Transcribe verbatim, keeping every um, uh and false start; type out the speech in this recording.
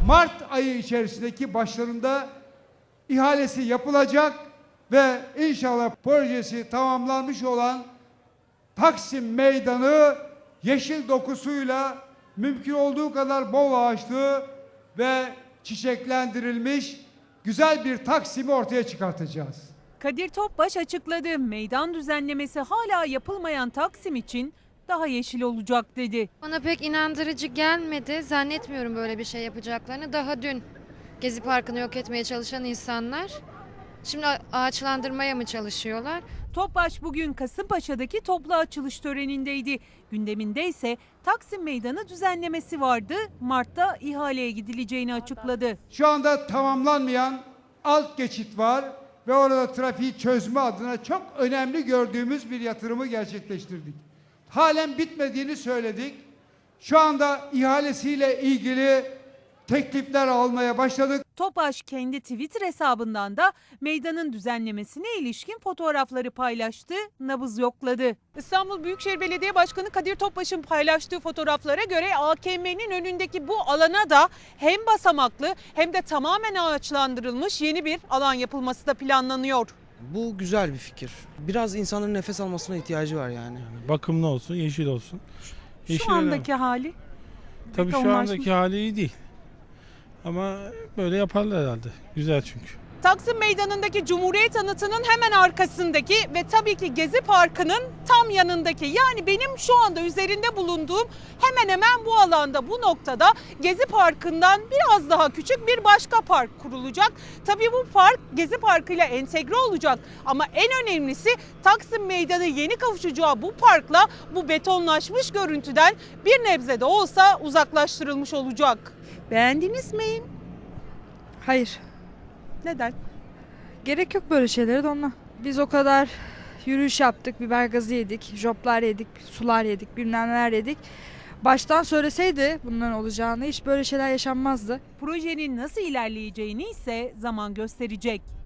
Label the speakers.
Speaker 1: Mart ayı içerisindeki başlarında ihalesi yapılacak ve inşallah projesi tamamlanmış olan Taksim Meydanı yeşil dokusuyla mümkün olduğu kadar bol ağaçlı ve çiçeklendirilmiş güzel bir Taksim'i ortaya çıkartacağız.
Speaker 2: Kadir Topbaş açıkladı. Meydan düzenlemesi hala yapılmayan Taksim için daha yeşil olacak dedi.
Speaker 3: Bana pek inandırıcı gelmedi. Zannetmiyorum böyle bir şey yapacaklarını. Daha dün Gezi Parkı'nı yok etmeye çalışan insanlar şimdi ağaçlandırmaya mı çalışıyorlar?
Speaker 2: Topbaş bugün Kasımpaşa'daki toplu açılış törenindeydi. Gündeminde ise Taksim Meydanı düzenlemesi vardı. Mart'ta ihaleye gidileceğini açıkladı.
Speaker 1: Şu anda tamamlanmayan alt geçit var ve orada trafiği çözme adına çok önemli gördüğümüz bir yatırımı gerçekleştirdik. Halen bitmediğini söyledik. Şu anda ihalesiyle ilgili teklifler almaya başladık.
Speaker 2: Topbaş kendi Twitter hesabından da meydanın düzenlemesine ilişkin fotoğrafları paylaştı, nabız yokladı. İstanbul Büyükşehir Belediye Başkanı Kadir Topbaş'ın paylaştığı fotoğraflara göre A K M'nin önündeki bu alana da hem basamaklı hem de tamamen ağaçlandırılmış yeni bir alan yapılması da planlanıyor.
Speaker 4: Bu güzel bir fikir. Biraz insanların nefes almasına ihtiyacı var yani.
Speaker 5: Bakımlı olsun, yeşil olsun. Yeşil
Speaker 2: Şu andaki hali?
Speaker 5: Tabii şu
Speaker 2: betonlaşmış.
Speaker 5: andaki hali iyi değil. Ama böyle yaparlar herhalde. Güzel çünkü.
Speaker 2: Taksim Meydanı'ndaki Cumhuriyet Anıtı'nın hemen arkasındaki ve tabii ki Gezi Parkı'nın tam yanındaki, yani benim şu anda üzerinde bulunduğum hemen hemen bu alanda, bu noktada Gezi Parkı'ndan biraz daha küçük bir başka park kurulacak. Tabii bu park Gezi Parkı ile entegre olacak ama en önemlisi Taksim Meydanı yeni kavuşacağı bu parkla bu betonlaşmış görüntüden bir nebze de olsa uzaklaştırılmış olacak. Beğendiniz mi?
Speaker 6: Hayır.
Speaker 2: Neden?
Speaker 6: Gerek yok böyle şeylere de onunla. Biz o kadar yürüyüş yaptık, biber gazı yedik, joplar yedik, sular yedik, bilmem neler yedik. Baştan söyleseydi bunların olacağını hiç böyle şeyler yaşanmazdı.
Speaker 2: Projenin nasıl ilerleyeceğini ise zaman gösterecek.